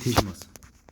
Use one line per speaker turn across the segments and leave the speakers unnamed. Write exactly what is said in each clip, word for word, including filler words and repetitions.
인비테이션 왔어.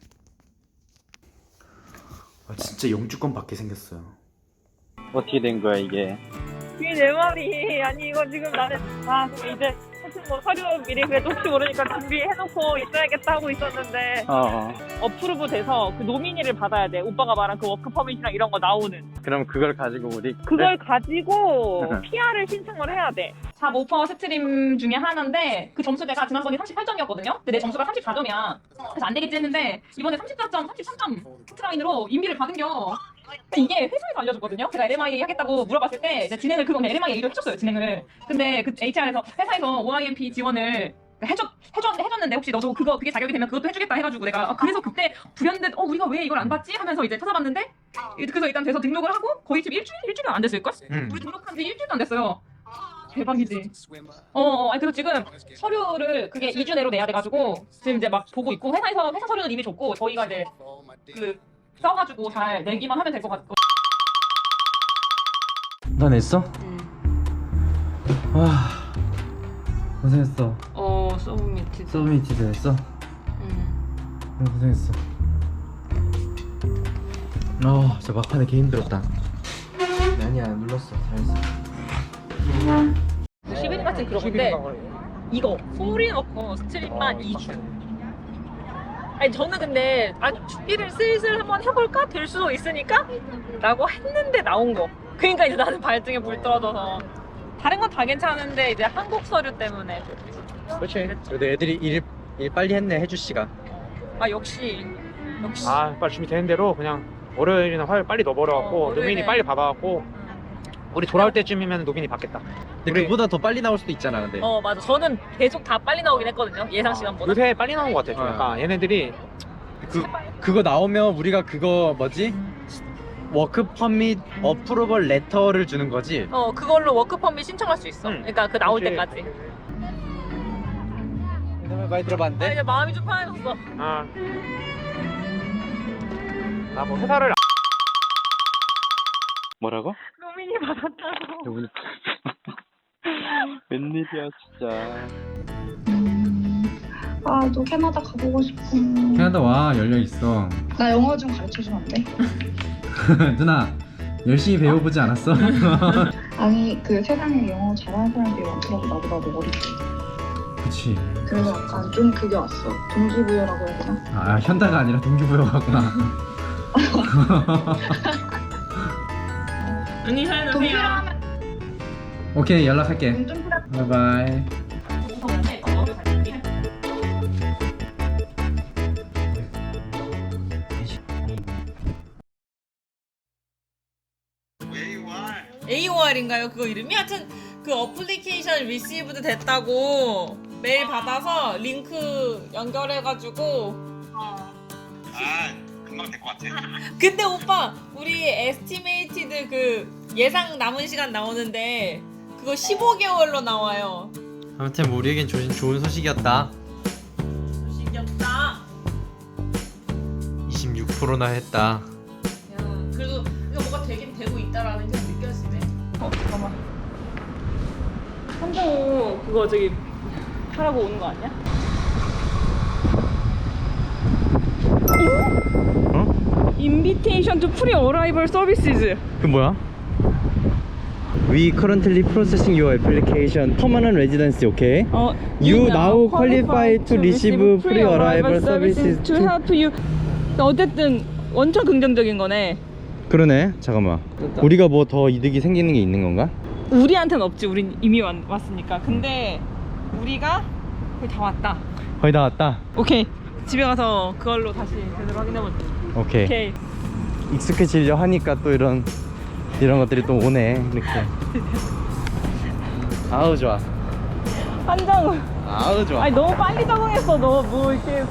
아 진짜 영주권 받게 생겼어요.
어떻게 된 거야 이게?
이게 내 말이 아니 이거 지금 나는 아 이제 사실 뭐 서류 미리 그래도 혹시 모르니까 준비해놓고 있어야겠다 하고 있었는데
어, 어.
어프로브 돼서 그 노미니를 받아야 돼. 오빠가 말한 그 워크 퍼밋이랑 이런 거 나오는
그럼 그걸 가지고 우리
그걸 가지고 피알을 신청을 해야 돼. 잡 오퍼 스트림 중에 하나인데 그 점수대가 지난번에 삼십팔 점이었거든요. 근데 내 점수가 삼십사 점이야. 그래서 안 되겠지 했는데 이번에 삼십사 점, 삼십삼 점 포트라인으로 인비를 받은겨. 근데 이게 회사에서 알려줬거든요. 제가 엘엠아이 하겠다고 물어봤을 때 이제 진행을 그건 엘엠아이 얘기를 해줬어요. 진행을. 근데 그 에이치알에서 회사에서 오아이엠피 지원을 해줬, 해줬, 해줬는데 혹시 너도 그거 그게 자격이 되면 그것도 해주겠다 해가지고 내가 아, 그래서 그때 불현듯 어 우리가 왜 이걸 안 받지 하면서 이제 찾아봤는데 그래서 일단 돼서 등록을 하고 거의 지금 일주일 일주일 안 됐을걸?
음.
우리 등록한 지 일주일도 안 됐어요. 대박이지. 어, 어, 아니 그래서 지금 서류를 그게 이 주 내로 내야 돼가지고 지금 이제 막 보고 있고 회사에서 회사 서류는 이미 줬고 저희가 이제 그 써가지고 잘 내기만 하면 될 것 같고.
나 냈어?
응.
와 고생했어.
어, 서브미트.
서브미티드 했어?
응.
응 고생했어. 어 진짜 막판에 개 힘들었다. 아니야 눌렀어 잘했어.
십일 일 같은 그런 건데 이거 소리 넣고 스트림만 이 주. 아니 저는 근데 아니 준비를 슬슬 한번 해볼까? 될 수도 있으니까? 라고 했는데 나온 거. 그러니까 이제 나는 발등에 불 떨어져서 다른 건 다 괜찮은데 이제 한국 서류 때문에
그렇지. 그래도 애들이 일, 일 빨리 했네 해주 씨가.
아 역시 역시
아 빨리 준비되는 대로 그냥 월요일이나 화요일 빨리 넣어버려갖고
어, 월요일에.
노민이 빨리 받아갖고 우리 돌아올 때쯤이면 노민이 받겠다.
근데
우리-
그보다 더 빨리 나올 수도 있잖아 근데.
어 맞아 저는 계속 다 빨리 나오긴 했거든요 예상 시간보다.
요새 빨리 나온 것 같아. 좀
어.
약간 얘네들이
그 그거 나오면 우리가 그거 뭐지? 워크 퍼밋 어프로벌 레터를 주는 거지.
어 그걸로 워크 퍼밋 신청할 수 있어.
응.
그러니까 그 나올
그치.
때까지.
많이
아
들어봤는데?
이제 마음이 좀 편해졌어.
아, 나뭐 회사를
뭐라고?
노민이 받았다고.
웬일이야 진짜.
아, 너 캐나다 가보고 싶어.
캐나다 와 열려있어.
나 영어 좀 가르쳐주면 안 돼?
누나 열심히 배워보지 않았어?
아니, 그 세상에 영어 잘하는 사람들이 많더라고, 나보다도 어리지.
그치.
그래서 약간 좀 그게 왔어. 동기부여라고 해야 되나?
아 현다가 아니라 동기부여가구나.
언니 잘
동기부여
노세요.
하면
오케이 연락할게.
좀 필요.
바이바이.
에이오알인가요? 그거 이름이? 하여튼 그 어플리케이션 리시브드 됐다고 메일 받아서 링크 연결해가지고
아, 금방 될 것 같아.
근데 오빠 우리 에스티메이티드 그 예상 남은 시간 나오는데 그거 십오 개월로 나와요.
아무튼 뭐 우리에겐 좋은, 좋은 소식이었다.
소식이었다.
이십육 퍼센트나 했다.
야 그래도 이거 뭐가 되긴 되고 있다라는 게 느껴지네. 어 잠깐만. 한정우 그거 저기 하라고 오는 거 아니야?
어?
Invitation to pre-arrival services.
그 뭐야? We currently processing your application. Permanent residency, okay?
어,
You now qualify to receive pre-arrival services
to
to-
help you. 어쨌든 완전 긍정적인 거네.
그러네. 잠깐만. 우리가 뭐 더 이득이 생기는 게 있는 건가?
우리한테는 없지. 우린 이미 왔, 왔으니까. 근데 우리가 거의 다 왔다.
거의 다 왔다.
오케이. 집에 가서 그걸로 다시 제대로 확인해보자.
오케이.
오케이.
익숙해지려 하니까 또 이런 이런 것들이 또 오네. 이렇게. 아우 좋아.
한정우.
아우 좋아.
아니 너무 빨리 적응했어. 너 뭐 이렇게.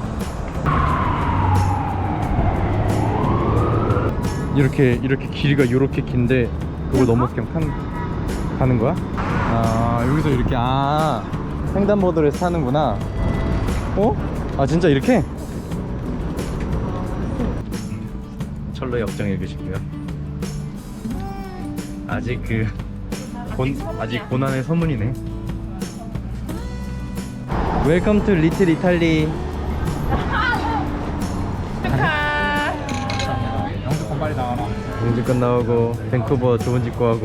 이렇게 이렇게 길이가 이렇게 긴데 그걸 넘어서 그냥 판, 가는 거야? 아 여기서 이렇게 아 횡단보도를 타는구나. 어? 아 진짜 이렇게? 철로 역정 읽으시고요. 아직 그 곤, 아직 고난의 서문이네. 웰컴 투 리틀 이탈리. 영주권 나오고 밴쿠버 좋은 집 구하고.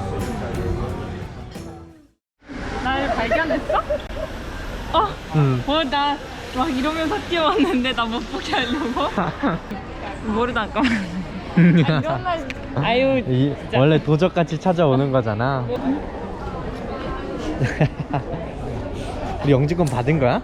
날 발견했어? 어?
응.
뭐 나 막 이러면서 뛰어왔는데 나 못 보게 하려고? 모르다 잠깐만. 이런 날 아유
이,
진짜.
원래 도적같이 찾아오는 거잖아. 우리 영주권 받은 거야?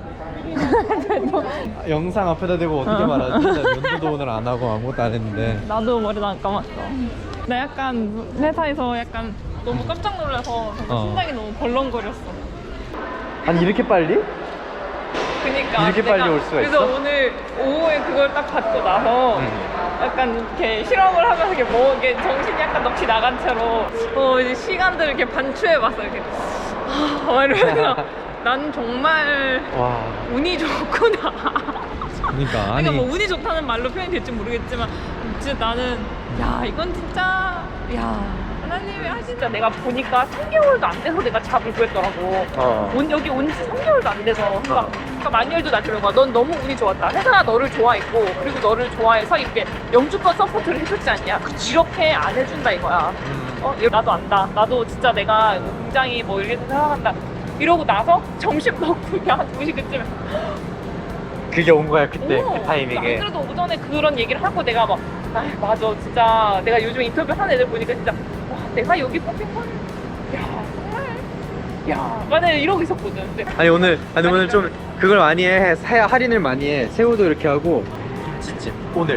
영상 앞에다 대고 어떻게 말하지? 나 면도도 오늘 안 하고 아무것도 안 했는데.
나도 머리도 안 감았어. 나 약간 회사에서 약간 너무 깜짝 놀라서
어.
심장이 너무 벌렁거렸어.
아니 이렇게 빨리?
그니까
이렇게 빨리 올 수가
그래서
있어?
오늘 오후에 그걸 딱 받고 나서
응.
약간 이렇게 실험을 하면서 이렇게 뭐 이게 정신이 약간 넋이 나간 채로 어 이제 시간들을 이렇게 반추해봤어 이렇게 아 이러면서 난 정말
와.
운이 좋구나.
그러니까 아니.
그러니까 뭐 운이 좋다는 말로 표현이 될지 모르겠지만 진짜 나는 야 이건 진짜 야 하나님이 하신다. 내가 보니까 삼 개월도 안 돼서 내가 잡을 구했더라고.
어.
온 여기 온 지 삼 개월도 안 돼서 그러니까, 그러니까 마뉴얼도 나한테 그런 거야. 넌 너무 운이 좋았다. 회사가 너를 좋아했고 그리고 너를 좋아해서 이렇게 영주권 서포트를 해줬지 않냐. 이렇게 안 해준다 이거야. 어 나도 안다. 나도 진짜 내가 굉장히 뭐 이렇게 생각한다. 이러고 나서 점심 먹고 그냥 한 두 시 그쯤에
그게 온 거야 그때
오,
그 타이밍에.
안 그래도 오전에 그런 얘기를 하고 내가 막, 아 맞아, 진짜 내가 요즘 인터뷰 하는 애들 보니까 진짜 와, 내가 여기 뽑힌 건, 야 정말, 야, 만약에 이러고 있었거든. 근데
아니 오늘 아니 오늘
아니,
좀 그걸 많이 해. 사 할인을 많이 해. 새우도 이렇게 하고 김치찜 오늘.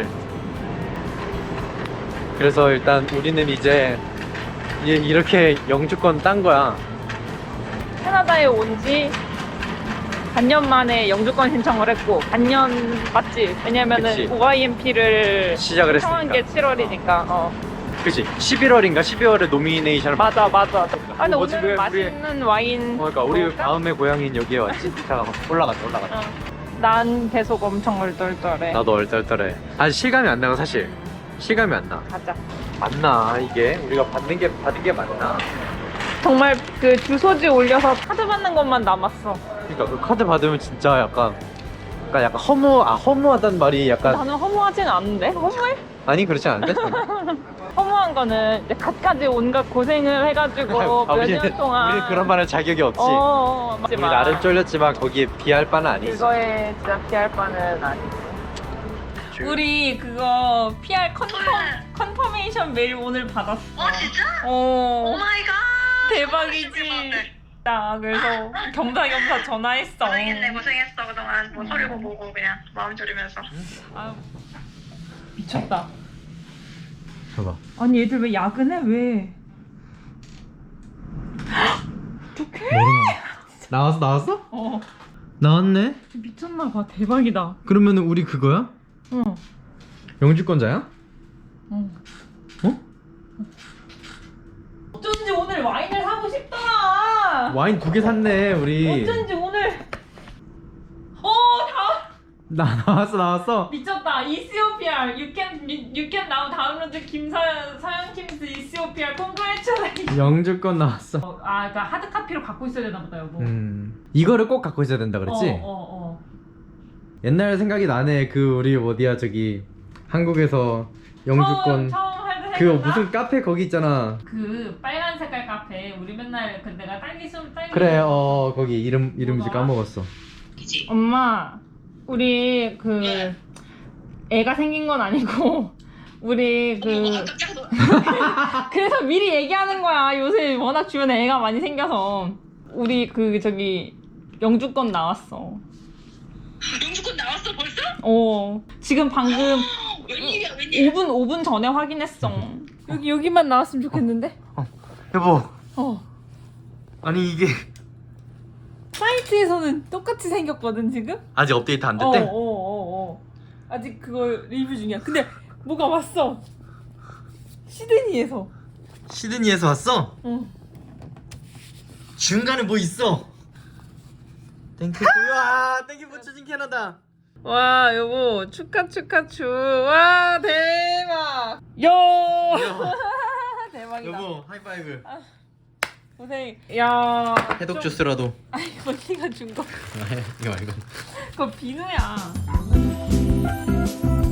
그래서 일단 우리는 이제 이- 이렇게 영주권 딴 거야.
캐나다에 온 지 반년 만에 영주권 신청을 했고, 반년 맞지? 왜냐면은
그치.
오아이엠피를
시작을 했으니까.
신청한 게 칠월이니까. 어.
그치? 십일월인가 십이월에 노미네이션을 받.
맞아, 맞아. 아 근데
뭐지,
오늘
왜 우리-
맛있는 와인.
어, 그러니까 우리
먹을까?
마음의 고향인 여기에 왔지. 자 올라갔다 올라갔다.
어. 난 계속 엄청 얼떨떨해.
나도 얼떨떨해. 아직 실감이 안 나고 사실 실감이 안 나.
가자.
맞나 이게 우리가 받는 게 받은 게 맞나?
정말 그 주소지 올려서 카드 받는 것만 남았어.
그러니까 그 카드 받으면 진짜 약간 약간 약간 허무 아 허무하단 말이 약간
나는 허무하진 않은데? 허무해?
아니 그렇지 않은데?
허무한 거는 이제 갖가지 온갖 고생을 해가지고
아,
몇
우리는-
년 동안
우리는 그런 말할 자격이 없지.
어,
우리 나름 쫄렸지만 거기에 비할 바는 아니지.
그거에 진짜 피할 바는 아니. 우리 그거 피알 컨펌 컨퍼메이션 메일 오늘 받았어.
어 진짜?
어.
오마이갓.
대박이지. 나 그래서 겸사겸사 전화했어.
고생했네 고생했어 그동안 뭐 소리고 보고 그냥 마음 졸이면서.
아유, 미쳤다.
봐봐.
아니 얘들 왜 야근해? 왜? 어떡해?
나왔어 나왔어?
어
나왔네.
미쳤나 봐. 대박이다.
그러면은 우리 그거야?
어.
영주권자야?
어.
어?
어쩐지 오늘 와인을 사고 싶더라.
와인 두 개 샀네 우리.
어쩐지 오늘. 어, 다
나 나왔어 나왔어.
미쳤다. 이시오피알. You can you can now 다운로드 김사연 사연 킴스 이시오피알. Congratulations.
영주권 나왔어.
어, 아, 그러니까 하드 카피로 갖고 있어야 되나 보다 여보.
음 이거를 꼭 갖고 있어야 된다 그랬지?
어, 어, 어.
옛날 생각이 나네. 그 우리 어디야 저기 한국에서 영주권
처음, 처음 할 때
그
생각나?
무슨 카페 거기 있잖아.
그 빨간 색깔 카페 우리 맨날 그 내가 딸기 술 딸기
그래 어 거기 이름 이름 이제
뭐더라?
까먹었어.
엄마 우리 그 애가 생긴 건 아니고 우리 그
깜짝 놀.
그래서 미리 얘기하는 거야. 요새 워낙 주변에 애가 많이 생겨서 우리 그 저기 영주권 나왔어.
영주권 나왔어 벌써?
어 지금 방금
웬일이야 웬일?
오 분 오 분 전에 확인했어. 여기 여기만 나왔으면 좋겠는데.
여보
어
아니 이게
사이트에서는 똑같이 생겼거든 지금.
아직 업데이트 안
어,
됐대?
어, 어, 어. 아직 그거 리뷰 중이야. 근데 뭐가 왔어. 시드니에서.
시드니에서 왔어?
응.
중간에 뭐 있어? 땡큐 와 땡큐 붙여진 캐나다.
와 여보 축하 축하 축. 와 대박. 야. 대박이다.
여보 하이파이브.
고생. 야.
해독
좀-
주스라도.
아 이거 네가 준 거.
이거 말고.
그거 비누야.